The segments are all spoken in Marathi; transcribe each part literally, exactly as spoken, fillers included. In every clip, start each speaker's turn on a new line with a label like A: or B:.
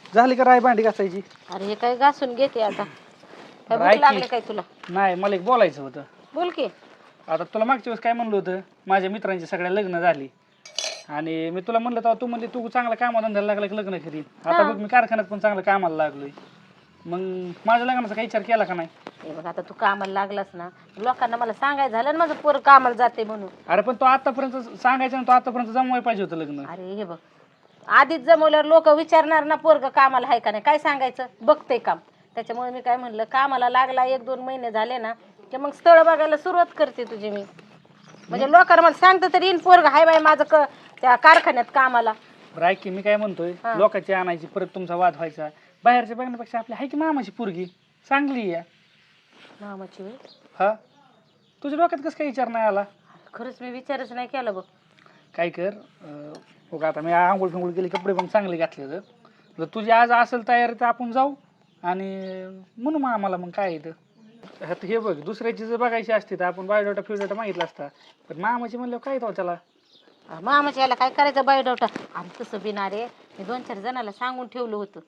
A: झाली का राय भांडी घासायची?
B: अरे हे काय घासून घेते आता. काय भूक
A: राय
B: लागली
A: की.
B: काय तुला?
A: नाही मला एक बोलायचं होतं.
B: बोल की.
A: आता तुला मागच्या वेळेस काय म्हणलं होतं, माझ्या मित्रांची सगळ्या लग्न झाली आणि मी तुला म्हणलं तेव्हा तू म्हणली तू चांगला कामाला धंद्याला लागला की लग्न करीन. आता बघ मी कारखान्यात पण चांगलं कामाला लागलोय. मग माझ्या लग्नाचा काही विचार केला का नाही?
B: हे बघ आता तू कामाला लागलास ना, लोकांना मला सांगायचं झालं ना माझं पोर कामाला जाते म्हणून.
A: अरे पण तो आतापर्यंत सांगायचं ना, तो आतापर्यंत जमवाय पाहिजे होतं लग्न.
B: अरे हे बघ आधीच जमवल्यावर लोक विचारणार ना पोरग कामाला आहे का नाही, काय सांगायचं बघते काम. त्याच्यामुळे मी काय म्हणलं कामाला लागला एक दोन महिने झाले ना की मग स्थळ बघायला सुरुवात करते तुझी मी. म्हणजे लोकांना मला सांगतं तरी इन पोरग हाय बाय माझं क त्या कारखान्यात कामाला.
A: राय की मी काय म्हणतोय, लोकांची आणायची परत तुमचा वाद व्हायचा. बाहेरच्या बघण्यापेक्षा आपली आहे की मामाची पोरगी चांगली आहे.
B: मामाची वेळ
A: हा तुझ्या डोक्यात कसं काही विचार नाही आला?
B: खरंच मी विचारच नाही केला बघ.
A: काय कर अं, हो का आता मी आंघोळ फिंगोळ केली, कपडे पण चांगले घातले. जर तुझी आज असेल तयारी तर आपण जाऊ आणि म्हणू मग आम्हाला मग काय येतं. आता हे बघ दुसऱ्याची जर बघायची असते तर आपण बायोडाटा फिवडाटा मागितला असता, पण मामाची म्हणल्यावर काय येतो त्याला.
B: मामाच्या याला काय करायचं बायोडाटा. आणि तसं बिनारे मी दोन चार जणाला सांगून ठेवलं होतं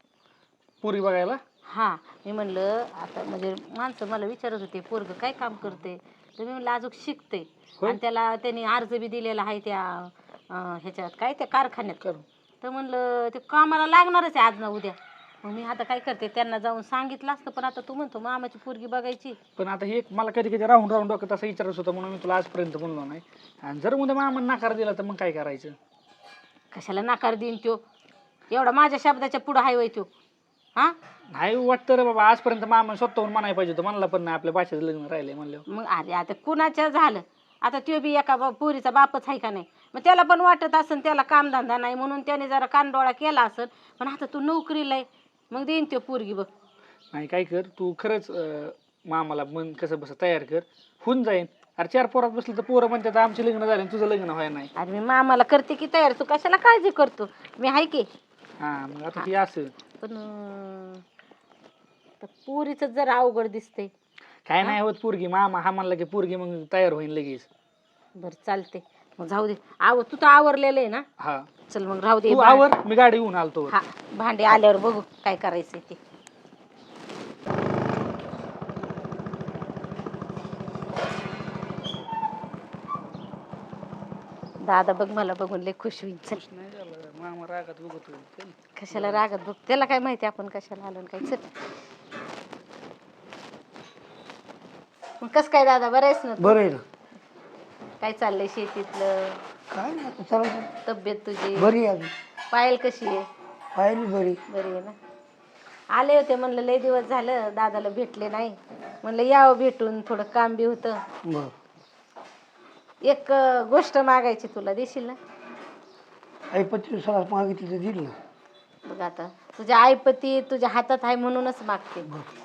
A: पुरी बघायला.
B: हा मी म्हणलं आता म्हणजे माणसं मला विचारत होते पोरग काय काम करते, तर मी म्हणलं अजून शिकते आणि त्याला त्यांनी अर्ज बी दिलेला आहे त्या अं, ह्याच्यात काय त्या कारखान्यात. तर म्हणलं ते कामाला लागणारच आहे आज ना उद्या. मग मी आता काय करते त्यांना जाऊन सांगितलं असतं, पण आता तू म्हणतो मामाची पोरगी बघायची.
A: पण आता हे मला कधी कधी राहून राहून डोक्यात असं विचारत होतं म्हणून मी तुला आजपर्यंत म्हणलो नाही. आणि जर उद्या मामा नकार दिला तर मग काय करायचं?
B: कशाला नकार देईन त्यो, एवढा माझ्या शब्दाच्या पुढं हाय वय त्यो. हा
A: नाही वाटतं रे बाबा, आजपर्यंत मामा स्वतःहून म्हणायला पाहिजे होतं, म्हणला पण नाही आपल्या भाषेचं लग्न राहिले म्हणलं.
B: मग अरे आता कुणाच्या झालं, आता त्यो बी एका बा- पोरीचा बापच आहे का नाही, मग त्याला पण वाटत असेल त्याला कामधंदा नाही म्हणून त्याने जरा कानडोळा केला असेल. पण आता तू नोकरीला आहे मग देईन त्यो पोरगी बघ.
A: नाही काय कर तू खरंच अं, मामाला मन कसं बस तयार कर, होऊन जाईन. अरे चार पोरात बसलं तर पोरं म्हणतात आमचे लग्न झाले तुझं लग्न व्हाय नाही.
B: अरे मी मामाला करते की तयार, तू कशाला काळजी करतो, मी आहे की.
A: हा मग आता ती असं
B: पण अं, तर पोरीच जरा अवघड दिसते.
A: काय नाही होत. पोरगी मामा हा म्हणला की पोरगी मग तयार होईल लगेच.
B: बरं चालते मग जाऊ दे. आव तू तर आवरलेलं आहे ना.
A: हा
B: चल मग राहू दे.
A: तू आवर, मी गाडी घेऊन आलतो.
B: हा भांडे आल्यावर बघू काय करायचंय ते. दादा बघ मला बघून लय खुश होईल. चल
A: नाही झालं मामा रागात बघत होईल.
B: कशाला रागत बघ, त्याला काय माहिती आपण कशाला आलो काय. चल मग कस काय दादा बरं आहेस ना तू?
C: बरं आहे ना.
B: काय चाललंय शेतीतलं?
C: काय नाही आता चालायचं.
B: तब्येत तुझी
C: बरी आहे अजून.
B: पायल कशी आहे?
C: पाहिली बरी.
B: बरी आहे ना. आले होते म्हणलं लय दिवस झालं दादाला भेटले नाही, म्हणलं यावं भेटून, थोडं काम बी होतं.
C: बर
B: एक अं, गोष्ट मागायची तुला, देशील ना?
C: आईपती सगळं मागितलं तर दिल ना.
B: बघ आता तुझ्या आईपती तुझ्या हातात आहे म्हणूनच मागते.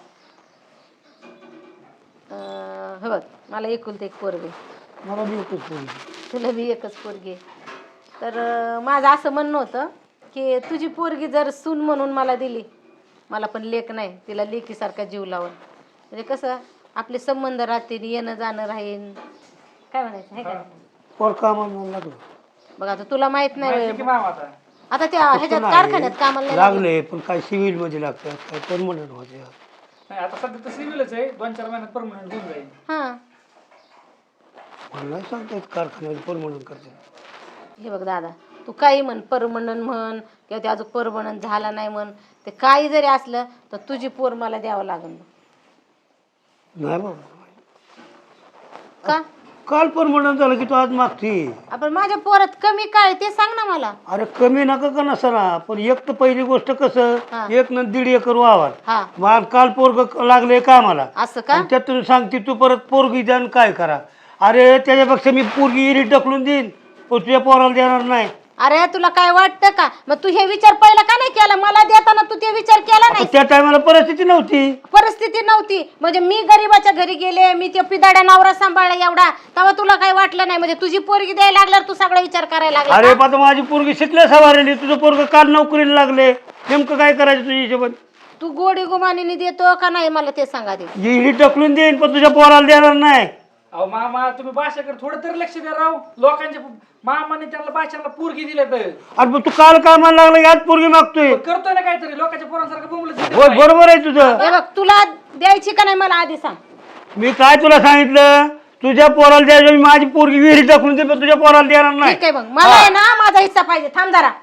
B: अं, हे बघ मला एकुलते एक पोरगे,
C: मला बी एकच पोरगी.
B: तुला बी एकच पोरगी. तर अं, माझं असं म्हणणं होतं की तुझी पोरगी जर सून म्हणून मला दिली, मला पण लेक नाही, तिला लेकीसारखा जीव लावून, म्हणजे कसं आपले संबंध राहतील, येणं जाणं राहील. काय म्हणायचं आहे का?
C: पोर कामाला लागलो.
B: बघ आता तुला माहित नाही
A: की मामा आता
B: आता त्या ह्याच्यात कारखान्यात कामाला नाही लागलं.
C: लागले पण काय सिव्हिल मध्ये लागतात, काय परमनंट होते.
A: नाही आता सध्या तर सिव्हिलच आहे, दोन चार महिन्यात परमनंट होऊन जाईल.
B: हा
C: मला नाही सांगता येत कारखान्यात परमनंट करतात.
B: हे बघ दादा, तू काही म्हण, परमनंट म्हण किंवा ते अजून परमनंट झाला नाही म्हण, ते काही जरी असलं तर तुझी पोर मला द्यावं लागेल.
C: नाही बाबा,
B: का?
C: काल परमनंट झालं की तू आज मागती.
B: आपण माझ्या पोरात कमी काय ते सांग ना मला.
C: अरे कमी नका का नसना, पण एक तर पहिली गोष्ट कसं
B: हा.
C: एक न दीड एकर वावर.
B: हा
C: मग काल पोरग लागले कामाला,
B: असं का?
C: आणि त्यातून सांगते तू परत पोरगी द्या आणि काय करा. अरे त्याच्यापेक्षा मी पोरगी इरीट ढकलून देईन, पण तुझ्या पोराला देणार नाही.
B: अरे तुला काय वाटतं का? मग तू हे विचार पहिला का नाही केला? मला देताना तू ते विचार केला नाही.
C: त्या टायमाला परिस्थिती नव्हती.
B: परिस्थिती नव्हती म्हणजे मी गरीबाच्या घरी गेले, मी ते पिदाड्या नवरा सांभाळला एवढा, तेव्हा तुला काही वाटलं नाही? म्हणजे तुझी पोरगी द्यायला लागल्यावर तू सगळा विचार करायला लागला
C: अरे
B: का?
C: आता माझी पोरगी शिकल्या सवारेली, तुझं पोरग काल नोकरीला लागले, नेमकं काय करायचं तुझ्या हिशोबात?
B: तू गोडी गुमानीने देतो का नाही मला ते सांगा दे.
C: इरीट ढकलून देईन पण तुझ्या पोराला देणार नाही.
A: अहो मामा तुम्ही भाषेकडे थोडं तरी लक्ष द्या राव. लोकांच्या मामाने त्यांना भाषाला पोरगी दिले तर
C: अरे मग तू काल कामाला लागला याच पोरगी मागतोय.
A: करतोय ना काहीतरी लोकांच्या पोरांसारखं बोंबलत
C: होय बरोबर आहे तुझं.
B: हे बघ तुला द्यायची का नाही मला आधी सांग.
C: मी काय तुला सांगितलं तुझ्या पोराला द्यायचं मी माझी पोरगी विहिरीत टाकून दे पण तुझ्या पोराला देणार नाही.
B: ठीक आहे मग मला आहे ना माझा हिस्सा पाहिजे. थांब जरा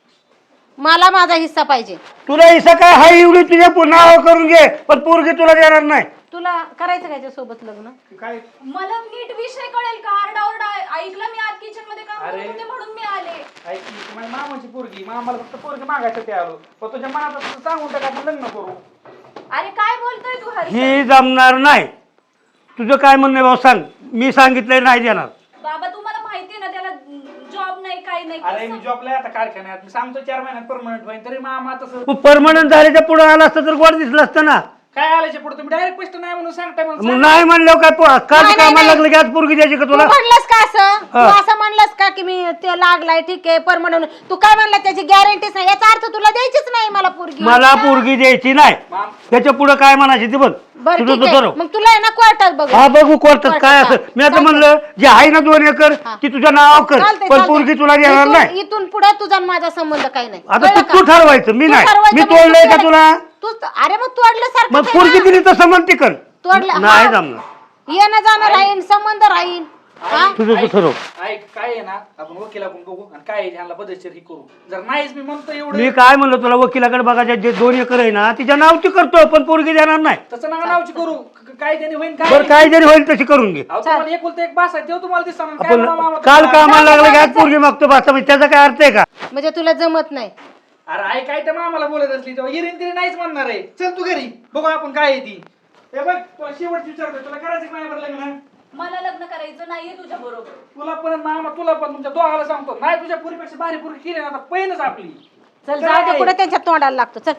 B: मला माझा हिस्सा पाहिजे.
C: तुला हिस्सा काय हाय एवढी तुझ्या नाव करून घे पण पोरगी तुला देणार नाही.
B: तुला करायचं का सोबत लग्न?
A: काय
D: मला नीट विषय कळेल का? आरडाओरडा ऐकलं मी आत किचन मध्ये काम
A: अरे.
D: करत होते म्हणून मी आले.
A: ऐक की, ती माझ्या मामाची पोरगी मामाला फक्त पोरगी मागायसाठी आलो पण तुझ्या मनात असं सांगून टाका आपण लग्न करू.
D: अरे काय बोलतोय तू हर्ष?
C: ही जमणार नाही. तुझं काय म्हणणं आहे भाऊ सांग. मी सांगितलंय नाही देणार.
D: बाबा तुम्हाला माहितीये ना त्याला जॉब नाही काही नाही.
A: अरे मी जॉबला आहे आता कारखान्यात मी सांगतो चार महिन्यात परमनंट होईल तरी मामा तसं
C: मग परमनंट झाल्याच्या पुढे आला असतं तर गोड दिसलं असतं ना.
A: काय आल्याच्या पुढे तुम्ही डायरेक्ट स्पष्ट नाही म्हणून सांगताय म्हणून
C: मग
A: सांग.
C: नाही म्हणलं काय पो- काल
B: नाही,
C: कामाला
B: नाही.
C: लागलं की आज पोरगी द्यायची का
B: तू
C: तुला.
B: म्हणलंस का असं? तू
C: हा.
B: असं म्हणलंस का की मी ते लागलाय ठीक आहे परमनंट? तू काय म्हणला त्याची गॅरंटीच नाही याचा अर्थ तुला द्यायचीच नाही मला पोरगी.
C: मला पोरगी द्यायची नाही.
A: माम
C: त्याच्या पुढे काय म्हणायची ते बघ.
B: बरं
C: तुझं
B: ठीक
C: तू
B: आहे
C: ठरव.
B: मग तुला आहे ना कोर्टात बघ.
C: हा बघू कोर्टात काय
B: कोर्टात,
C: असं. मी आता
B: चालतंय.
C: म्हणलं जे आहे ना दोन एकर
B: हा.
C: ती तुझ्या नाव कर
B: चालतंय,
C: पण
B: चालतंय.
C: पोरगी तुला देणार
B: इथून-
C: नाही.
B: इथून पुढे तुझा आणि माझा संबंध काही नाही.
C: आता
B: कळलं
C: तू तू
B: का?
C: ठरवायचं मी
B: तू
C: नाही.
B: ठरवायचं
C: मी
B: म्हणजे
C: तोडलंय का
B: तू-
C: तुला.
B: तू अरे मग तोडल्यासारखं
C: मग पोरगी दिली तर समजते कर
B: तोडलं
C: नाही
B: हा.
C: जमणार.
B: येणं जाणं राहील संबंध राहील हा?
C: तुझं तू ठरव.
A: ऐक काय आहे ना आपण वकिलाकडून बघू आणि काय आहे ह्यांना पद्धतशीर ही करू. जर नाहीच मी म्हणतो एवढं
C: मी काय म्हणलं तुला वकिलाकडे बघायच्या जे दोन एकर आहे ना तिच्या नावची करतो पण पोरगी देणार नाही.
A: तसं नका नावची करू क- क- काय त्याने होईल काय
C: बरं काय जरी होईल तशी करून घे.
A: अहो, तुम्हाला एकुलता एक बास आहे तेव्हा तुम्हाला दिसणार काय
C: आपण
A: म्हणा मामा
C: काल
A: तुम्हाला?
C: कामाला लागलं की आज पोरगी मागतो बस त्याचा काय अर्थ आहे का.
B: म्हणजे तुला जमत नाही.
A: अरे आई काय तर मामाला बोलत असली तेव्हा हिरीन तिरी नाहीच म्हणणार आहे. चल तू घरी बघू आपण काय आहे ती. हे बघ तुला शेवट विचारतोय तुला करायचं का नाही बरं लग्न.
D: मला लग्न करायचं नाहीये तुझ्या बरोबर.
A: तुला पण मामा तुला पण तुमच्या दोघाला सांगतो नाही तुझ्या पुरीपेक्षा भारी पुरी केली ना आता पहिलंच आपली.
B: चल जाऊ दे कुठे त्यांच्या तोंडाला लागतो. चल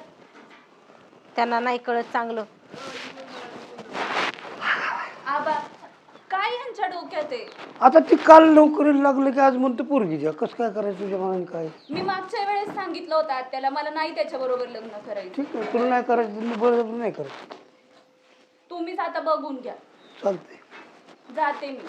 B: त्यांना नाही कळत चांगलं.
D: आबा काय यांच्या डोक्यात आहे?
C: आता ती काल नोकरीला लागलं की आज म्हणते पोरगी द्या कसं काय करायचं तुझ्या मनाने काय.
D: मी मागच्या वेळेस सांगितलं होतं त्याला मला नाही त्याच्या बरोबर लग्न करायचं.
C: ठीक आहे तुला नाही करायचं मी बरोबर नाही करायचं.
D: तुम्हीच आता बघून घ्या.
C: चालतंय.
D: जाते मी.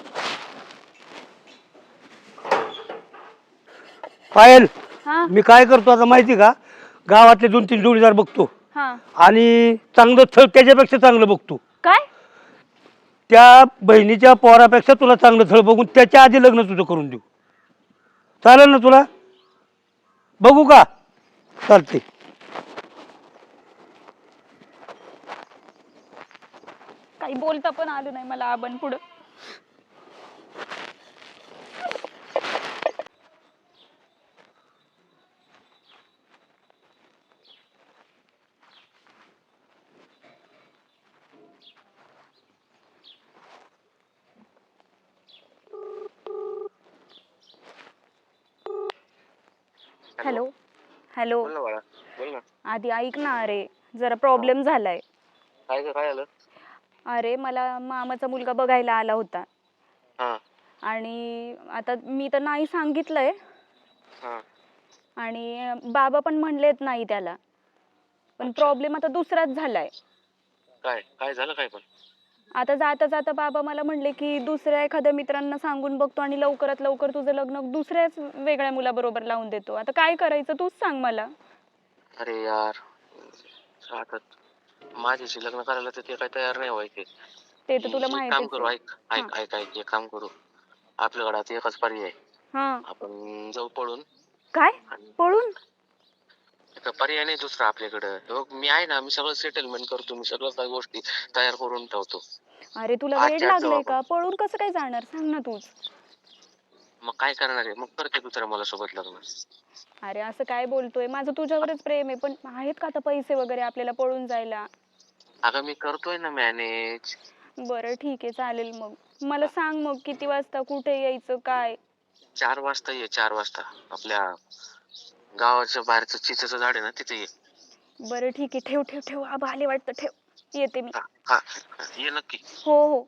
C: पायल
D: हा
C: मी काय करतो आता माहिती का गावातले दोन तीन जोडीदार बघतो
D: हा
C: आणि चांगलं स्थळ त्याच्यापेक्षा चांगलं बघतो.
D: काय?
C: त्या बहिणीच्या पोरापेक्षा तुला चांगलं स्थळ बघून त्याच्या आधी लग्न तुझं करून देऊ. चालेल ना तुला. बघू का. चालते.
D: काही बोलता पण आलं नाही मला आबां पुढं.
E: हॅलो हॅलो
F: बोल ना बाळा बोल ना.
E: आधी ऐक ना. अरे जरा प्रॉब्लेम झालाय.
F: काय ग काय आलं.
E: अरे मला मामाचा मुलगा बघायला आला होता
F: हा
E: आणि आता मी तर नाही सांगितलंय
F: हा
E: आणि बाबा पण म्हणलेत नाही त्याला. पण प्रॉब्लेम आता दुसराच झालाय.
F: काय काय झालं काय पण.
E: आता जाता जाता बाबा मला म्हणले की दुसऱ्या एखाद्या मित्रांना सांगून बघतो आणि लवकरात लवकर तुझं लग्न दुसऱ्याच वेगळ्या मुलाबरोबर लावून देतो. आता काय करायचं तूच सांग मला.
F: अरे यार आता माझ्याशी लग्न करायला तर ते काही तयार नाही व्हायचे.
E: ते तर तुला
F: एक काम
E: माहितीच
F: करू
E: आहे.
F: ऐक ऐक ऐक ऐक एक काम करू. आपल्याकडे आता एकच पर्याय आहे.
E: हा
F: आपण जाऊ पळून.
E: काय
F: आणि
E: पळून?
F: एक पर्याय नाही दुसरा आपल्याकडं. बघ, मी आहे ना मी सगळं सेटलमेंट करतो. मी सगळं काही गोष्टी तयार करून ठेवतो.
E: अरे तुला
F: आज
E: वेड
F: chat जाऊ
E: लागलंय
F: आपण.
E: का? पळून कसं काय जाणार सांग ना तूच.
F: मग काय करणार आहे मग करते दुसऱ्या मला सोबत लग्न.
E: अरे असं काय बोलतोय. माझं तुझ्यावरच प्रेम आहे पण आहेत का आता पैसे वगैरे आपल्याला पळून जायला?
F: अगं मी करतोय ना मॅनेज.
E: बरं ठीक आहे चालेल. मग मला सांग मग किती वाजता कुठे यायचं काय.
F: चार वाजता ये चार वाजता आपल्या गावाच्या बाहेरचं चिचेचं झाड आहे ना तिथे ये.
E: बरं ठीक आहे. ठेव ठेव ठेव. आबा आले वाटतं. ठेव येते मी.
F: हा हा हा, ये नक्की.
E: हो हो.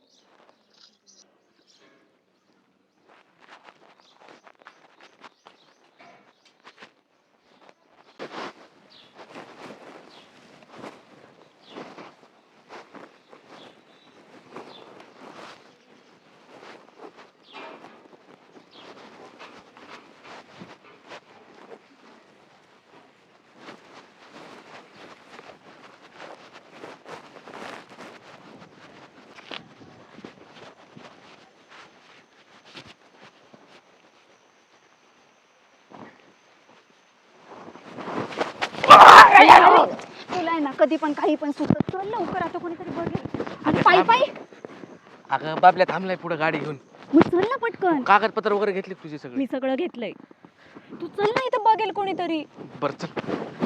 E: कधी पण काही पण सुचत. चल लवकर, आता कोणीतरी बघेल. अगं पायी पायी
G: अगं बाबल्या थांबलाय पुढे गाडी घेऊन.
E: मग चल ना पटकन.
G: कागदपत्र वगैरे घेतले तुझे सगळे?
E: मी सगळं घेतलंय. तू चल ना, इथं बघेल कोणीतरी.
G: बर चल.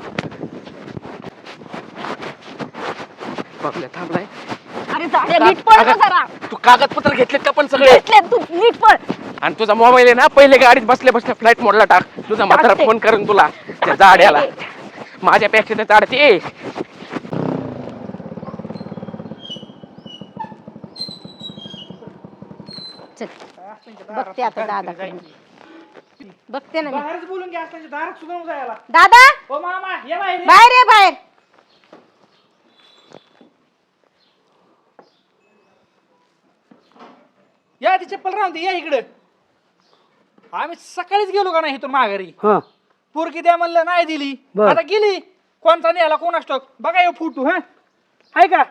G: बाबल्या थांबलाय.
E: अरे जाड्या, नीट पळ ना
G: अगं,
E: जरा.
G: तू कागदपत्र घेतलेत का पण सगळे?
E: घेतले, तू नीट पळ.
G: आणि तुझा मोबाईल आहे ना पहिले गाडीत बसल्या बसल्या फ्लाईट मोडला टाक. तुझा म्हातारा
E: टाकते.
G: फोन करेन तुला त्या जाड्याला. माझ्यापेक्षा त्या जाडते.
B: चल बघते आता दादा, बघते ना मी.
A: बाहेरच बोलून घ्या, त्यांच्या दारात सुद्धा नको जायला.
B: दादा
A: ओ मामा ये बाहेर.
B: बाहेर ये, बाहेर.
A: या ती चप्पल राहून दे, या इकडे. आम्ही सकाळीच गेलो का नाही इथून माघारी.
C: हा
A: पोरगी द्या म्हणलं नाही दिली.
C: बर.
A: आता गेली. कोणता न्यायला कोण असतो बघा हे फुटू. हा आहे का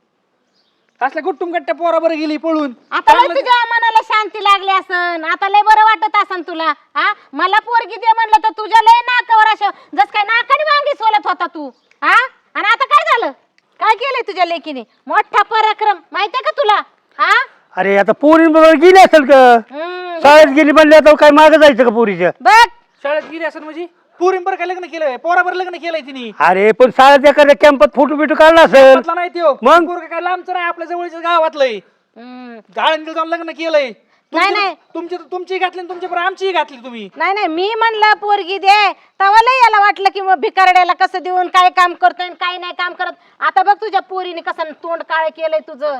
A: असल्या गुट्टुम गट्ट्या पोराबर गेली पळून.
B: आता लय तुझ्या मनाला शांती लागली असन, आता लय बरं वाटत असन तुला. हा मला पोरगी दे म्हणलं तर तुझ्या लय नाकावर असं जस काय नाकाने वांगी सोलत होता तू. हा आणि आता काय झालं? काय केलंय तुझ्या लेकीने? मोठा पराक्रम माहितीये का तुला? हा
C: अरे आता पोरी बरोबर गेली असेल का?
B: हम्म.
C: शाळेत गेली म्हणले आता काय मागं जायचं का पोरीच्या?
B: बघ
A: शाळेत गेली असं म्हणजे पोरींबर काय लग्न केलंय? पोराबर लग्न केलंय तिने.
C: अरे पण शाळेत एखाद्या कॅम्पात फोटो बिटो काढला असेल.
A: म्हटलं नाही त्यो
C: मग?
A: पोरग काय लांबचं नाही, आपल्या जवळच्या गावातलंय.
B: हम्म.
A: आळंदीला जाऊन लग्न केलंय.
B: नाही, नाही.
A: तुमची तुमची घातली आणि तुमच्या बरोबर आमचीही घातली तुम्ही.
B: नाही नाही, मी म्हणलं पोरगी दे तेव्हा लय याला वाटलं की मग भिकारड्याला कसं देऊन काय काम करतोय आणि काय नाही काम करत. आता बघ तुझ्या पोरीने कसं तोंड काळ केलंय तुझं.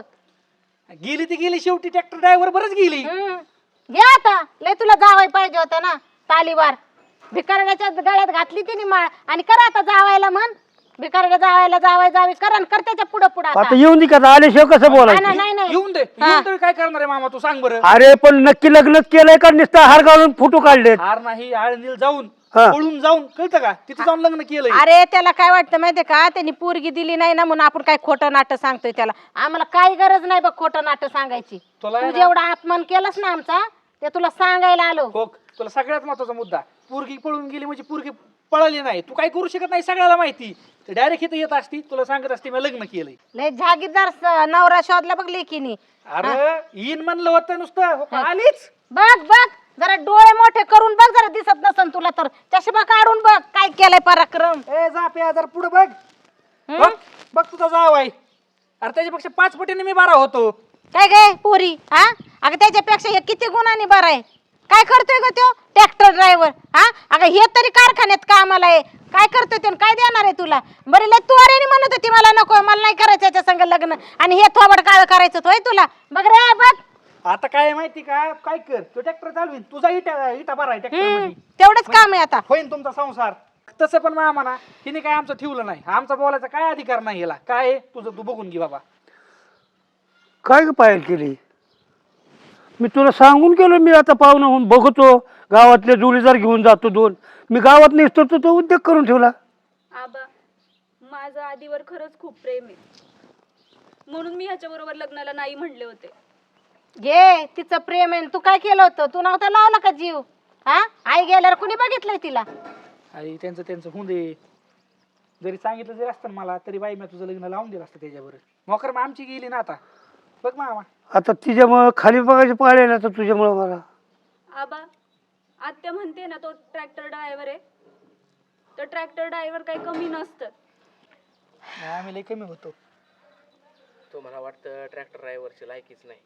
A: गेली ती गेली, शेवटी ट्रॅक्टर ड्रायव्हर बरच गेली.
B: हम्म. घे आता, लय तुला जावाय पाहिजे होता ना तालीवार. भिकारड्याच्या गळ्यात घातली तिने माळ आणि करा आता जावायला म्हण. भिकारड्या जावायला जावाय जावी करा आणि कर त्याच्या पुढं पुढं आता.
C: आता येऊन दे का? आल्याशिवाय कसं
B: नाही
C: बोलायचं?
B: नाही नाही.
A: येऊन दे. येऊन दे, काय करणार आहे मामा तू सांग बरं.
C: अरे पण नक्की लग्नच केलंय का नुसतं हार घालून फोटो काढलेत?
A: हार नाही, आळंदीला जाऊन
C: हा.
A: पळून जाऊन कळतं का तिथे जाऊन लग्न केलंय.
B: अरे त्याला काय वाटतं माहितीये का? त्यांनी पोरगी दिली नाही ना म्हणून आपण काय खोटं नाटक सांगतोय त्याला. आम्हाला काही गरज नाही बघ खोटं नाटक सांगायची.
A: तुला
B: तू
A: आहे ना-
B: जेवढा अपमान केलास ना आमचा ते तुला सांगायला आलो.
A: हो, तुला सगळ्यात महत्वाचा मुद्दा, पोरगी पळून गेली म्हणजे पोरगी पळाली नाही. तू काय करू शकत नाही, सगळ्याला माहिती. ते डायरेक्ट इथे येत असती, तुला सांगत असते मी लग्न केलंय.
B: लय जागीरदार स- नवरा शोधला बघ लेकीनी.
A: अरे येईन म्हणलं होतं नुसतं, हो का, आलीच.
B: बघ बघ जरा डोळे मोठे करून बघ, जरा दिसत नसन तुला तर चष्मा काढून बघ काय केलंय पराक्रम.
A: ए जा पे जरा पुढे बघ. बघ बघ तुझा जाव आहे. अरे त्याच्यापेक्षा पाच पटीने मी बारा होतो.
B: काय काय पोरी हा? अगं त्याच्यापेक्षा हे किती गुणांनी बरं आहे. काय करतोय ग तो ट्रॅक्टर ड्रायव्हर? हा अगं हे तरी कारखान्यात कामाला आहे. काय करतोय ते काय देणार आहे तुला? बरे लय तू अरे म्हणत होती मला नको, मला नाही करायचं याच्या संग लग्न आणि हे थोबड काळ करायचं होय तुला. बघ रे बघ.
A: आता काय आहे माहिती का, काय कर तो ट्रॅक्टर चालवीन, तुझा इटा इटा बरा आहे ट्रॅक्टर
B: हम्म,
A: मध्ये.
B: तेवढंच काम आहे आता.
A: होईन तुमचा संसार. तसं पण मामा ना तिने काय आमचं ठेवलं नाही. आमचा बोलायचा काय अधिकार नाही याला. काय आहे तुझं तू बघून घे बाबा.
C: काय ग पायल केली? मी तुला सांगून गेलो, मी आता पाहुणा होऊन बघतो, गावातले जोडीदार घेऊन जातो दोन. मी गावात नसतो तर तो उद्योग करून ठेवला.
E: आबा माझं आधीवर खरंच खूप प्रेम आहे, म्हणून मी ह्याच्या बरोबर लग्नाला नाही म्हणले होते.
B: घे तिचं प्रेम आहे. तू काय केलं होतं? तू नव्हता लावला का जीव? हा आई गेल्यावर कुणी बघितलंय तिला?
A: आई त्यांचं त्यांचं होऊन दे. जरी सांगितलं जरी असतं ना मला तरी बाई मी तुझं लग्न लावून दिलं असतं त्याच्याबरोबर. मोकर मग आमची गेली ना आता. बघ मामा
C: आता तिच्यामुळं खाली बघायची पाळी आहे ना, तर तुझ्यामुळं मला.
E: आबा आत्या म्हणते ना तो ट्रॅक्टर ड्रायव्हर आहे, तर ट्रॅक्टर ड्रायव्हर काही कमी नसतं.
A: आम्ही लई कमी होतो.
G: तुम्हाला वाटतं ट्रॅक्टर ड्रायव्हरची लायकीच नाही,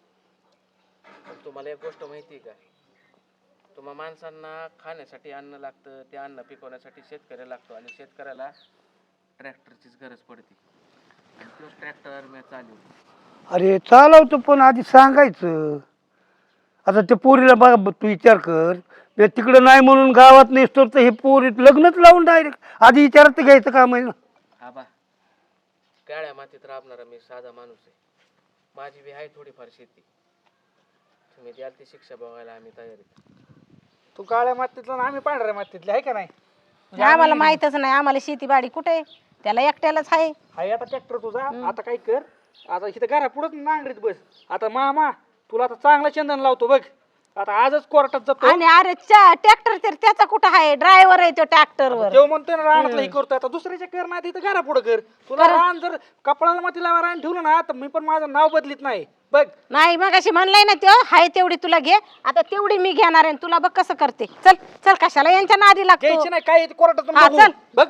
G: पण तुम्हाला एक गोष्ट माहिती आहे का? तुम्हा माणसांना खाण्यासाठी अन्न लागतं, ते अन्न पिकवण्यासाठी शेतकऱ्याला लागतो आणि शेतकऱ्याला ट्रॅक्टरचीच गरज पडते. आणि तोच ट्रॅक्टर मी चालवतो.
C: अरे चालवतो पण आधी सांगायचं. आता त्या पोरीला बघा, तू विचार कर, मी तिकडं नाही म्हणून गावात नसतो तर हे पोरी लग्नच लावून डायरेक्ट आधी विचारात घ्यायचं काम आहे ना.
G: आबा काळ्या मातीत राबणारा मी साधा माणूस आहे. माझी बी आहे थोडीफार शेती. तुम्ही द्याल ती शिक्षा बघायला आम्ही तयार आहे.
A: तू काळ्या मातीतला आणि आम्ही पांढऱ्या मातीतले आहे का नाही?
B: आम्हाला माहितच नाही. आम्हाला शेतीबाडी कुठे? त्याला एकट्यालाच आहे.
A: हाय आता ट्रॅक्टर तुझा. आता काय कर, आता इथं घरा पुढंच नांगरीत बस. आता मामा तुला आता चांगला चंदन लावतो बघ. आता आजच कोर्टात जातो
B: आणि अरे ट्रॅक्टर तर त्याचा कुठं आहे ड्रायव्हर आहे तो ट्रॅक्टरवर
A: जेव्हा म्हणतोय ना रानातलं हे करतोय आता दुसऱ्याच्या कर नाही तिथं घरा पुढं कर तुला रान जर कपडाला मातीला रान ठेवलं ना तर मी पण माझं नाव बदलीत नाही बघ.
B: नाही मग अशी म्हणलाय ना तो हाय तेवढी तुला घे आता तेवढी मी घेणार आहे तुला बघ कसं करते चल चल कशाला यांच्या नादी लागतो
A: घ्यायची नाही काय कोर्टात
B: हा, चल.
A: बघ.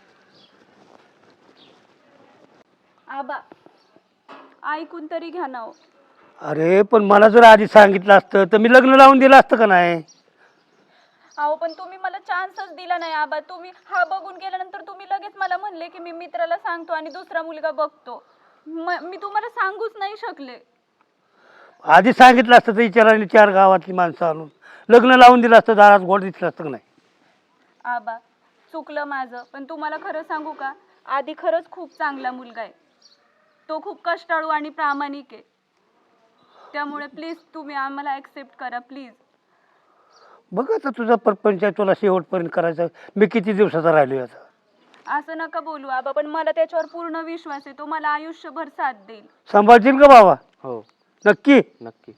E: आबा ऐकून तरी घ्या ना हो.
C: अरे पण मला जर आधी सांगितलं असतं तर मी लग्न लावून दिलं असतं का नाही?
E: अहो पण तुम्ही मला चान्सच दिला नाही आबा. तुम्ही हा बघून गेल्यानंतर तुम्ही लगेच मला म्हणले की मी मित्राला सांगतो आणि दुसरा मुलगा बघतो. म- मी तुम्हाला सांगूच नाही शकले.
C: आधी सांगितलं असतं तर विचाराने चार गावातली माणसं आणून लग्न लावून दिलं असतं, दारात गोड दिसलं असतं का नाही?
E: आबा चुकलं माझं, पण तुम्हाला खरं सांगू का, आधी खरंच खूप चांगला मुलगा आहे. तो खूप कष्टाळू आणि प्रामाणिक आहे. त्यामुळे प्लीज तुम्ही आम्हाला ॲक्सेप्ट करा प्लीज.
C: बघ आता तुझा परपंच आहे, तुला शेवटपर्यंत करायचं. मी किती दिवसाचा राहिलो आता.
E: असं नका बोलू आबा, पण मला त्याच्यावर पूर्ण विश्वास आहे. तो मला आयुष्यभर साथ देईल.
C: सांभाळशील का बाबा?
G: हो
C: नक्की?
G: नक्की.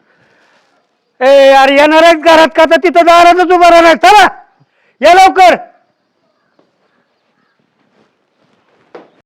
C: ए यार येणार आहेत घरात का तर तिथं दारातच उभा राहणार. चला या लवकर.